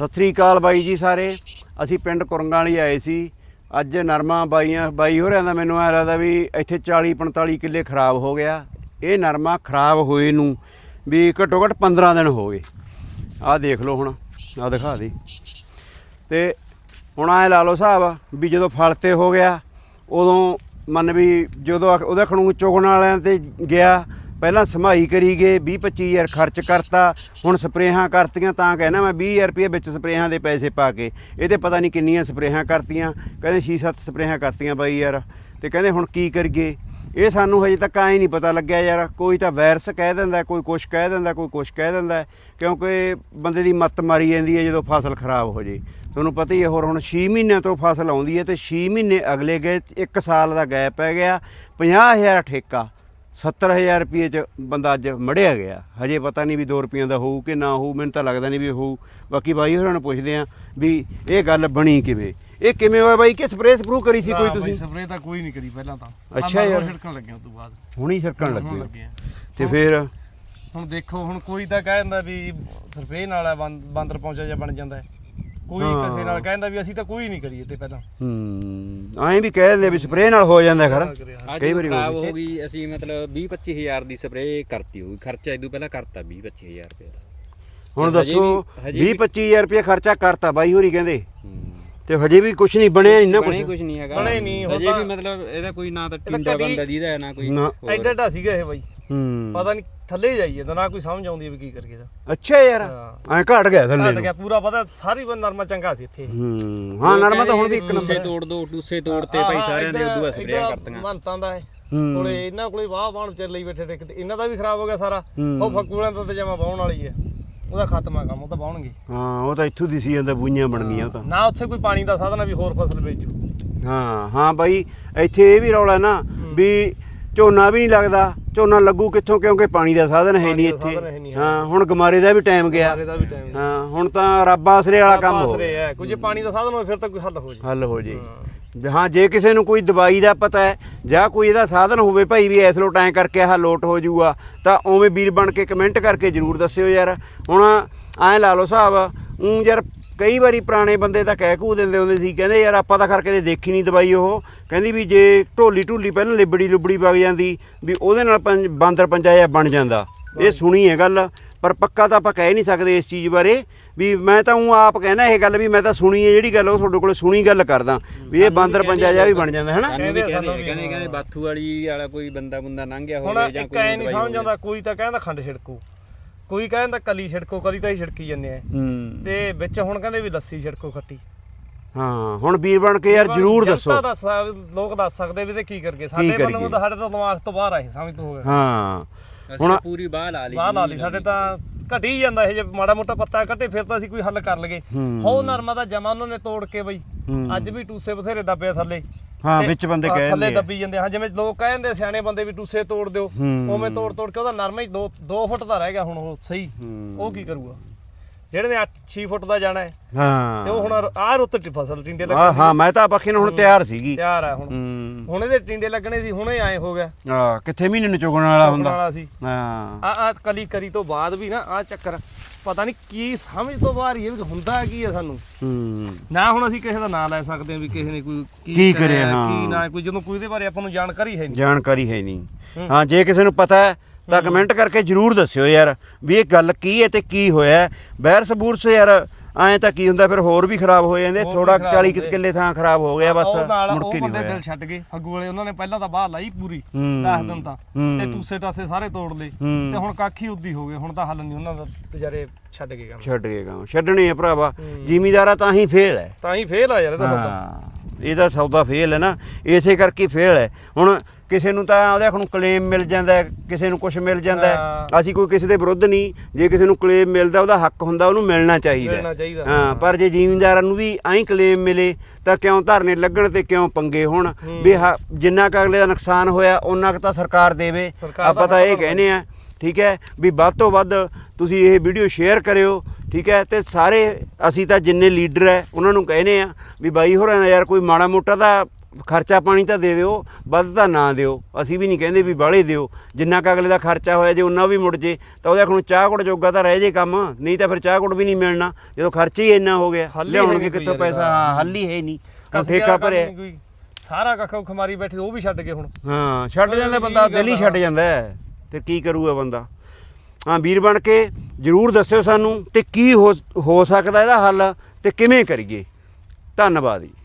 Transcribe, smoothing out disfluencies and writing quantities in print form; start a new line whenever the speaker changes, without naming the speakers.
ਸਤਿ ਸ੍ਰੀ ਅਕਾਲ ਬਾਈ ਜੀ ਸਾਰੇ। ਅਸੀਂ ਪਿੰਡ ਕੁਰੰਗਾਂ ਵਾਲੀ ਆਏ ਸੀ। ਅੱਜ ਨਰਮਾ ਬਾਈ ਹੋਰਿਆਂ ਦਾ ਮੈਨੂੰ ਐਂ ਲੱਗਦਾ ਵੀ ਇੱਥੇ 40-45 ਕਿੱਲੇ ਖਰਾਬ ਹੋ ਗਿਆ। ਇਹ ਨਰਮਾ ਖਰਾਬ ਹੋਏ ਨੂੰ ਵੀ ਘੱਟੋ ਘੱਟ 15 ਦਿਨ ਹੋ ਗਏ। ਆਹ ਦੇਖ ਲਓ, ਹੁਣ ਆਹ ਦਿਖਾ ਦੇ। ਤੇ ਹੁਣ ਐਂ ਲਾ ਲਓ ਹਿਸਾਬ ਵੀ ਜਦੋਂ ਫਲ 'ਤੇ ਹੋ ਗਿਆ ਉਦੋਂ ਮੰਨ ਵੀ ਜਦੋਂ ਉਹਦਾ ਖਣੂ ਚੁਗਣ ਵਾਲਿਆਂ 'ਤੇ ਗਿਆ, ਪਹਿਲਾਂ ਸਮਾਈ ਕਰੀ ਗਏ, 20-25 ਹਜ਼ਾਰ ਖਰਚ ਕਰਤਾ। ਹੁਣ ਸਪਰੇਹਾਂ ਕਰਤੀਆਂ, ਤਾਂ ਕਹਿਣਾ ਮੈਂ 20,000 ਰੁਪਏ ਵਿੱਚ ਸਪਰੇਹਾਂ ਦੇ ਪੈਸੇ ਪਾ ਕੇ। ਇਹ ਤੇ ਪਤਾ ਨਹੀਂ ਕਿੰਨੀਆਂ ਸਪਰੇਹਾਂ ਕਰਤੀਆਂ, ਕਹਿੰਦੇ 6-7 ਸਪਰੇਹਾਂ ਕਰਤੀਆਂ ਬਾਈ ਯਾਰ। ਤੇ ਕਹਿੰਦੇ ਹੁਣ ਕੀ ਕਰੀਏ, ਇਹ ਸਾਨੂੰ ਹਜੇ ਤੱਕ ਐਂ ਨਹੀਂ ਪਤਾ ਲੱਗਿਆ ਯਾਰ। ਕੋਈ ਤਾਂ ਵਾਇਰਸ ਕਹਿ ਦਿੰਦਾ, ਕੋਈ ਕੁਛ ਕਹਿ ਦਿੰਦਾ, ਕੋਈ ਕੁਛ ਕਹਿ ਦਿੰਦਾ, ਕਿਉਂਕਿ ਬੰਦੇ ਦੀ ਮੱਤ ਮਾਰੀ ਜਾਂਦੀ ਹੈ ਜਦੋਂ ਫਸਲ ਖਰਾਬ ਹੋ ਜੇ। ਤੁਹਾਨੂੰ ਪਤਾ ਹੀ ਹੈ। ਹੋਰ ਹੁਣ 6 ਮਹੀਨਿਆਂ ਤੋਂ ਫਸਲ ਆਉਂਦੀ ਹੈ ਤੇ 6 ਮਹੀਨੇ ਅਗਲੇ ਗਏ, 1 ਸਾਲ ਦਾ ਗੈਪ ਪੈ ਗਿਆ। 50,000 ਠੇਕਾ, 70,000 ਰੁਪਏ 'ਚ ਬੰਦਾ ਅੱਜ ਮੜਿਆ ਗਿਆ। ਹਜੇ ਪਤਾ ਨਹੀਂ ਵੀ 2 ਰੁਪਈਆਂ ਦਾ ਹੋਊ ਕਿ ਨਾ ਹੋਊ, ਮੈਨੂੰ ਤਾਂ ਲੱਗਦਾ ਨਹੀਂ ਵੀ ਹੋਊ। ਬਾਕੀ ਬਾਈ ਹੋਰਾਂ ਨੂੰ ਪੁੱਛਦੇ ਹਾਂ ਵੀ ਇਹ ਗੱਲ ਬਣੀ ਕਿਵੇਂ, ਇਹ ਕਿਵੇਂ ਹੋਇਆ ਬਾਈ? ਕਿ ਸਪਰੇਅ ਸਪਰੂ ਕਰੀ ਸੀ ਕੋਈ ਤੁਸੀਂ?
ਸਪਰੇਅ ਤਾਂ ਕੋਈ ਨਹੀਂ ਕਰੀ ਪਹਿਲਾਂ ਤਾਂ।
ਅੱਛਾ ਯਾਰ,
ਛਿੜਕਣ ਲੱਗੇ ਉਸ ਤੋਂ ਬਾਅਦ
ਹੁਣੀ ਛਿੜਕਣ ਲੱਗੇ ਤੇ ਫਿਰ
ਹੁਣ ਦੇਖੋ, ਹੁਣ ਕੋਈ ਤਾਂ ਕਹਿ ਦਿੰਦਾ ਵੀ ਸਪਰੇਅ ਨਾਲ ਬਾਂਦਰ ਪਹੁੰਚਾ ਜਾਂ ਬਣ ਜਾਂਦਾ ਹੈ, ਕੋਈ ਕਿਸੇ ਨਾਲ ਕਹਿੰਦਾ ਵੀ ਅਸੀਂ ਤਾਂ ਕੋਈ ਨਹੀਂ ਕਰੀਏ ਤੇ ਪਹਿਲਾਂ।
ਐਂ ਵੀ ਕਹਿ ਦਿੰਦੇ ਵੀ ਸਪਰੇਅ ਨਾਲ ਹੋ ਜਾਂਦਾ ਖਰ।
ਕਈ ਵਾਰੀ ਖਰਾਬ ਹੋ ਗਈ। ਅਸੀਂ ਮਤਲਬ 20-25 ਹਜ਼ਾਰ ਦੀ ਸਪਰੇਅ ਕਰਤੀ ਹੋਊਗੀ, ਖਰਚਾ ਇਦੋਂ ਪਹਿਲਾਂ ਕਰਤਾ 20-25 ਹਜ਼ਾਰ ਰੁਪਏ ਦਾ।
ਹੁਣ ਦੱਸੋ 20-25 ਹਜ਼ਾਰ ਰੁਪਏ ਖਰਚਾ ਕਰਤਾ ਬਾਈ ਹੋਰੀ ਕਹਿੰਦੇ, ਤੇ ਹਜੇ ਵੀ ਕੁਝ ਨਹੀਂ ਬਣਿਆ। ਇੰਨਾ
ਕੁਝ ਨਹੀਂ ਹੈਗਾ,
ਬਣੇ ਨਹੀਂ
ਹਜੇ ਵੀ। ਮਤਲਬ ਇਹਦਾ ਕੋਈ ਨਾ ਤਾਂ ਟਿੰਡਾ ਬੰਦਾ ਜਿਹਦਾ ਨਾ ਕੋਈ
ਐਡਾ ਸੀਗਾ ਇਹ ਬਾਈ। ਪਤਾ ਨਹੀਂ ਥੱਲੇ ਜਾਈਏ ਤਾਂ ਨਾ ਕੋਈ ਸਮਝ ਆਉਂਦੀ ਵੀ ਕੀ ਕਰੀਏ ਦਾ।
ਅੱਛਾ ਯਾਰ, ਐਂ ਘਟ ਗਿਆ ਥੱਲੇ,
ਘਟ ਗਿਆ ਪੂਰਾ। ਪਤਾ ਸਾਰੀ ਨਰਮਾ ਚੰਗਾ ਸੀ ਇੱਥੇ।
ਹਾਂ ਨਰਮਾ ਤਾਂ ਹੁਣ ਵੀ ਇੱਕ
ਨੰਬਰ। ਤੋੜ ਦੋ ਟੂਸੇ ਤੋੜਤੇ ਭਾਈ ਸਾਰਿਆਂ ਦੇ, ਉਦੋਂ ਬਾਅਦ ਸਪਰੇਆਂ ਕਰਤੀਆਂ।
ਮੰਨਤਾਂ ਦਾ ਕੋਲੇ ਇਹਨਾਂ ਕੋਲੇ ਵਾਹ ਵਾਹਣ ਚੱਲ ਲਈ ਬੈਠੇ ਟਿਕ ਤੇ ਇਹਨਾਂ ਦਾ ਵੀ ਖਰਾਬ ਹੋ ਗਿਆ ਸਾਰਾ। ਉਹ ਫੱਕੂਲਾਂ ਦਾ ਤੇ ਜਮਾ ਵਾਹਣ ਵਾਲੀ ਹੈ, ਉਹਦਾ ਖਤਮਾ ਕੰਮ, ਉਹ ਤਾਂ ਵਾਹਣਗੇ।
ਹਾਂ ਉਹ ਤਾਂ ਇੱਥੋਂ ਦਿਸੀ ਜਾਂਦਾ, ਬੂਈਆਂ ਬਣ ਗਈਆਂ ਉਹ ਤਾਂ।
ਨਾ ਉੱਥੇ ਕੋਈ ਪਾਣੀ ਦਾ ਸਾਧਨ ਵੀ ਹੋਰ ਫਸਲ ਵੇਚੂ।
ਹਾਂ ਬਾਈ ਇੱਥੇ ਇਹ ਵੀ ਰੌਲਾ ਨਾ ਵੀ ਝੋਨਾ ਵੀ ਨਹੀਂ ਲੱਗਦਾ। ਝੋਨਾ ਲੱਗੂ ਕਿੱਥੋਂ, ਕਿਉਂਕਿ ਪਾਣੀ ਦਾ ਸਾਧਨ ਹੈ ਨਹੀਂ ਇੱਥੇ। ਹਾਂ ਹੁਣ ਗਮਾਰੇ ਦਾ ਵੀ ਟਾਈਮ ਗਿਆ। ਹਾਂ ਹੁਣ ਤਾਂ ਰੱਬ ਆਸਰੇ ਵਾਲਾ ਕੰਮ ਹੋ ਗਿਆ।
ਕੁਝ ਪਾਣੀ ਦਾ ਸਾਧਨ ਹੋਵੇ ਫਿਰ ਤਾਂ ਕੋਈ ਹੱਲ ਹੋ ਜੇ।
ਹਾਂ ਜੇ ਕਿਸੇ ਨੂੰ ਕੋਈ ਦਵਾਈ ਦਾ ਪਤਾ ਹੈ ਜਾਂ ਕੋਈ ਇਹਦਾ ਸਾਧਨ ਹੋਵੇ ਭਾਈ ਵੀ ਇਸ ਲੋਟ ਐਂ ਕਰਕੇ ਆਹ ਲੋਟ ਹੋ ਜਾਊਗਾ, ਤਾਂ ਉਵੇਂ ਵੀਰ ਬਣ ਕੇ ਕਮੈਂਟ ਕਰਕੇ ਜ਼ਰੂਰ ਦੱਸਿਓ ਯਾਰ। ਹੁਣ ਐਂ ਲਾ ਲਓ ਹਿਸਾਬ, ਯਾਰ ਕਈ ਵਾਰੀ ਪੁਰਾਣੇ ਬੰਦੇ ਤਾਂ ਕਹਿ ਕੂ ਦਿੰਦੇ ਹੁੰਦੇ ਸੀ, ਕਹਿੰਦੇ ਯਾਰ ਆਪਾਂ ਤਾਂ ਕਰਕੇ ਦੇਖੀ ਨਹੀਂ ਦਵਾਈ। ਉਹ ਕਹਿੰਦੀ ਵੀ ਜੇ ਢੋਲੀ ਪਹਿਲਾਂ ਲਿਬੜੀ ਵਗ ਜਾਂਦੀ ਵੀ ਉਹਦੇ ਨਾਲ ਬਾਂਦਰ ਪੰਜਾ ਜਿਹਾ ਬਣ ਜਾਂਦਾ। ਇਹ ਸੁਣੀ ਹੈ ਗੱਲ, ਪਰ ਪੱਕਾ ਤਾਂ ਆਪਾਂ ਕਹਿ ਨਹੀਂ ਸਕਦੇ ਇਸ ਚੀਜ਼ ਬਾਰੇ ਵੀ। ਮੈਂ ਤਾਂ ਉਹ ਆਪ ਕਹਿਣਾ ਇਹ ਗੱਲ ਵੀ ਮੈਂ ਤਾਂ ਸੁਣੀ ਹੈ ਜਿਹੜੀ ਗੱਲ, ਉਹ ਤੁਹਾਡੇ ਕੋਲ ਸੁਣੀ ਗੱਲ ਕਰਦਾ ਵੀ ਇਹ ਬਾਂਦਰ ਪੰਜਾ ਜਿਹਾ ਵੀ ਬਣ ਜਾਂਦਾ ਹੈ ਨਾ।
ਕਹਿੰਦੇ ਬਾਥੂ ਵਾਲਾ ਕੋਈ ਬੰਦਾ ਲੰਘ ਗਿਆ
ਹੋਵੇ ਜਾਂ ਕੋਈ ਨਹੀਂ ਸਮਝ ਆਉਂਦਾ। ਕੋਈ ਤਾਂ ਕਹਿੰਦਾ ਖੰਡ ਛਿੜਕੂ, ਕੋਈ ਕਹਿੰਦਾ ਕਲੀ ਛਿੜਕੋ, ਕਲੀ ਤਾਂ ਹੀ ਛਿੜਕੀ ਜਾਂਦੇ ਆ। ਤੇ ਵਿੱਚ ਹੁਣ ਕਹਿੰਦੇ ਵੀ ਲੱਸੀ ਛਿੜਕੋ ਖੱਟੀ।
ਹਾਂ ਹੁਣ ਵੀਰ ਬਣ ਕੇ ਯਾਰ ਜ਼ਰੂਰ ਦੱਸੋ।
ਲੋਕ ਦੱਸ ਸਕਦੇ ਵੀ ਤੇ ਕੀ ਕਰਕੇ। ਸਾਡੇ ਵੱਲੋਂ ਤਾਂ ਸਾਡੇ ਤੋਂ ਦਿਮਾਗ ਤੋਂ ਬਾਹਰ ਆਏ, ਸਮਝ ਤੋਂ ਹੋ ਗਿਆ।
ਹਾਂ ਹੁਣ
ਪੂਰੀ ਬਾਹ ਲਾ ਲਈ
ਸਾਡੇ ਤਾਂ ਘਟੀ ਜਾਂਦਾ ਇਹ। ਜੇ ਮਾੜਾ ਮੋਟਾ ਪੱਤਾ ਘਟੇ ਫਿਰ ਤਾਂ ਅਸੀਂ ਕੋਈ ਹੱਲ ਕਰ ਲਗੇ। ਹੋ ਨਰਮਾ ਦਾ ਜਮਾ ਉਹਨਾਂ ਨੇ ਤੋੜ ਕੇ ਬਈ ਅੱਜ ਵੀ ਟੂਸੇ ਬਥੇਰੇ ਦੱਬੇ ਥੱਲੇ।
ਹਾਂ ਵਿੱਚ ਬੰਦੇ ਕਹਿ
ਥੱਲੇ ਦੱਬੀ ਜਾਂਦੇ। ਹਾਂ ਜਿਵੇਂ ਲੋਕ ਕਹਿੰਦੇ ਸਿਆਣੇ ਬੰਦੇ ਵੀ ਟੂਸੇ ਤੋੜ ਦਿਓ, ਉਵੇਂ ਤੋੜ ਕੇ ਉਹਦਾ ਨਰਮਾ ਹੀ 2 ਫੁੱਟ ਦਾ ਰਹਿ ਗਿਆ ਹੁਣ ਉਹ ਸਹੀ। ਉਹ ਕੀ ਕਰੂਗਾ ਜਿਹੜੇ ਨੇ 8-6 ਫੁੱਟ ਦਾ ਜਾਣਾ ਹੈ।
ਹਾਂ
ਤੇ ਉਹ ਹੁਣ ਆਹ ਰੁੱਤ ਚ ਫਸਲ ਟਿੰਡੇ ਲੱਗਣੇ।
ਹਾਂ ਮੈਂ ਤਾਂ ਪੱਖੇ ਨੂੰ ਹੁਣ ਤਿਆਰ ਸੀਗੀ,
ਤਿਆਰ ਆ ਹੁਣ ਇਹਦੇ ਟਿੰਡੇ ਲੱਗਣੇ ਸੀ, ਹੁਣੇ ਆਏ ਹੋ ਗਿਆ।
ਕਿੱਥੇ ਮਹੀਨੇ ਨੂੰ ਚੁਗਣ ਵਾਲਾ ਹੁੰਦਾ
ਸੀ।
ਹਾਂ
ਆ ਕਲੀ ਕਰੀ ਤੋਂ ਬਾਅਦ ਵੀ ਨਾ ਆ ਚੱਕਰ ਪਤਾ ਨਹੀਂ ਕੀ ਸਮਝ ਤੋਂ ਬਾਹਰ ਹੀ ਵੀ ਹੁੰਦਾ ਕੀ ਹੈ ਸਾਨੂੰ। ਨਾ ਹੁਣ ਅਸੀਂ ਕਿਸੇ ਦਾ ਨਾਂ ਲੈ ਸਕਦੇ ਹਾਂ ਵੀ ਕਿਸੇ ਨੇ ਕੋਈ
ਕੀ ਕਰਿਆ,
ਕੀ ਨਾ ਕੋਈ, ਜਦੋਂ ਕੋਈ ਇਹਦੇ ਬਾਰੇ ਆਪਾਂ ਨੂੰ ਜਾਣਕਾਰੀ ਹੈ
ਨਹੀਂ। ਹਾਂ ਜੇ ਕਿਸੇ ਨੂੰ ਪਤਾ ਹੈ ਤਾਂ ਕਮੈਂਟ ਕਰਕੇ ਜ਼ਰੂਰ ਦੱਸਿਓ ਯਾਰ ਵੀ ਇਹ ਗੱਲ ਕੀ ਹੈ ਤੇ ਕੀ ਹੋਇਆ। ਵਾਇਰਸ ਬੂਰਸ ਯਾਰ ਐਂ ਤਾਂ ਕੀ ਹੁੰਦਾ, ਫਿਰ ਹੋਰ ਵੀ ਖਰਾਬ ਹੋ ਜਾਂਦੇ। ਥੋੜਾ 40 ਕਿੱਲੇ ਥਾਂ ਖਰਾਬ ਹੋ ਗਿਆ, ਬਸ ਮੁੜ ਕੇ ਨਹੀਂ ਹੋਇਆ।
ਦਿਲ ਛੱਡ ਗਏ ਫੱਗੂ ਵਾਲੇ, ਉਹਨਾਂ ਨੇ ਪਹਿਲਾਂ ਤਾਂ ਬਾਹਰ ਲਾਈ ਪੂਰੀ 10 ਦਿਨ ਤਾਂ, ਤੇ ਟੂਸੇ ਟਾਸੇ ਸਾਰੇ ਤੋੜ ਲਏ ਤੇ ਹੁਣ ਕਾਖੀ ਉੱਦੀ ਹੋ ਗਏ। ਹੁਣ ਤਾਂ ਹੱਲ ਨਹੀਂ ਉਹਨਾਂ ਦਾ, ਵਿਚਾਰੇ ਛੱਡ ਗਏ ਕੰਮ। ਛੱਡਣੇ ਆ ਭਰਾਵਾ, ਜ਼ਿਮੀਦਾਰਾ ਤਾਂ ਹੀ ਫੇਲ ਹੈ। ਆ ਯਾਰ
ਇਹਦਾ ਸੌਦਾ ਫੇਲ ਹੈ ਨਾ, ਇਸੇ ਕਰਕੇ ਫੇਲ ਹੈ। ਹੁਣ ਕਿਸੇ ਨੂੰ ਤਾਂ ਉਹਦੇ ਨੂੰ ਕਲੇਮ ਮਿਲ ਜਾਂਦਾ, ਕਿਸੇ ਨੂੰ ਕੁਝ ਮਿਲ ਜਾਂਦਾ। ਅਸੀਂ ਕੋਈ ਕਿਸੇ ਦੇ ਵਿਰੁੱਧ ਨਹੀਂ, ਜੇ ਕਿਸੇ ਨੂੰ ਕਲੇਮ ਮਿਲਦਾ ਉਹਦਾ ਹੱਕ ਹੁੰਦਾ, ਉਹਨੂੰ ਮਿਲਣਾ ਚਾਹੀਦਾ। ਹਾਂ ਪਰ ਜੇ ਜ਼ਿਮੀਂਦਾਰਾਂ ਨੂੰ ਵੀ ਐਂ ਕਲੇਮ ਮਿਲੇ ਤਾਂ ਕਿਉਂ ਧਰਨੇ ਲੱਗਣ ਤੇ ਕਿਉਂ ਪੰਗੇ ਹੋਣ ਵੀ ਜਿੰਨਾ ਕੁ ਅਗਲੇ ਦਾ ਨੁਕਸਾਨ ਹੋਇਆ ਉਹਨਾਂ ਕੁ ਤਾਂ ਸਰਕਾਰ ਦੇਵੇ। ਆਪਾਂ ਤਾਂ ਇਹ ਕਹਿੰਦੇ ਆ ਠੀਕ ਹੈ ਵੀ ਵੱਧ ਤੋਂ ਵੱਧ ਤੁਸੀਂ ਇਹ ਵੀਡੀਓ ਸ਼ੇਅਰ ਕਰਿਓ, ਠੀਕ ਹੈ। ਤੇ ਸਾਰੇ ਅਸੀਂ ਤਾਂ ਜਿੰਨੇ ਲੀਡਰ ਹੈ ਉਹਨਾਂ ਨੂੰ ਕਹਿੰਦੇ ਆ ਵੀ ਬਾਈ ਹੋਰਾਂ ਦਾ ਯਾਰ ਕੋਈ ਮਾੜਾ ਮੋਟਾ ਤਾਂ ਖਰਚਾ ਪਾਣੀ ਤਾਂ ਦੇ ਦਿਓ, ਵੱਧ ਤਾਂ ਨਾ ਦਿਓ, ਅਸੀਂ ਵੀ ਨਹੀਂ ਕਹਿੰਦੇ ਵੀ ਬਾਹਲੇ ਦਿਓ, ਜਿੰਨਾ ਕੁ ਅਗਲੇ ਦਾ ਖਰਚਾ ਹੋਇਆ ਜੇ ਉਹਨਾਂ ਵੀ ਮੁੜ ਜੇ ਤਾਂ ਉਹਦੇ ਕੋਲ ਚਾਹ ਗੁੜ ਜੋਗਾ ਤਾਂ ਰਹਿ ਜੇ ਕੰਮ, ਨਹੀਂ ਤਾਂ ਫਿਰ ਚਾਹ ਗੁੜ ਵੀ ਨਹੀਂ ਮਿਲਣਾ ਜਦੋਂ ਖਰਚਾ ਹੀ ਇੰਨਾ ਹੋ ਗਿਆ।
ਹੱਲ ਹੀ
ਲਿਆਉਣਗੇ
ਹੈ ਨੀ
ਕਿੱਥੋਂ
ਕੋਈ
ਪੈਸਾ? ਹਾਂ ਹੱਲ ਹੀ ਹੈ ਨਹੀਂ,
ਕਸਬੇ
ਠੇਕਾ
ਵਾਲਾ ਕੰਮ
ਭਰਿਆ।
ਨੀ ਕੋਈ, ਸਾਰਾ ਕੱਖ ਖਮਾਰੀ ਬੈਠੇ ਉਹ ਵੀ ਛੱਡ ਗਏ ਹੁਣ।
ਹਾਂ ਛੱਡ ਜਾਂਦਾ ਬੰਦਾ, ਦਿਲ ਹੀ ਛੱਡ ਜਾਂਦਾ ਹੈ, ਤੇ ਕੀ ਕਰੂਗਾ ਬੰਦਾ। ਹਾਂ ਵੀਰ ਬਣ ਕੇ ਜ਼ਰੂਰ ਦੱਸਿਓ ਸਾਨੂੰ, ਤੇ ਕੀ ਹੋ ਸਕਦਾ ਇਹਦਾ ਹੱਲ, ਤੇ ਕਿਵੇਂ ਕਰੀਏ। ਧੰਨਵਾਦ ਜੀ।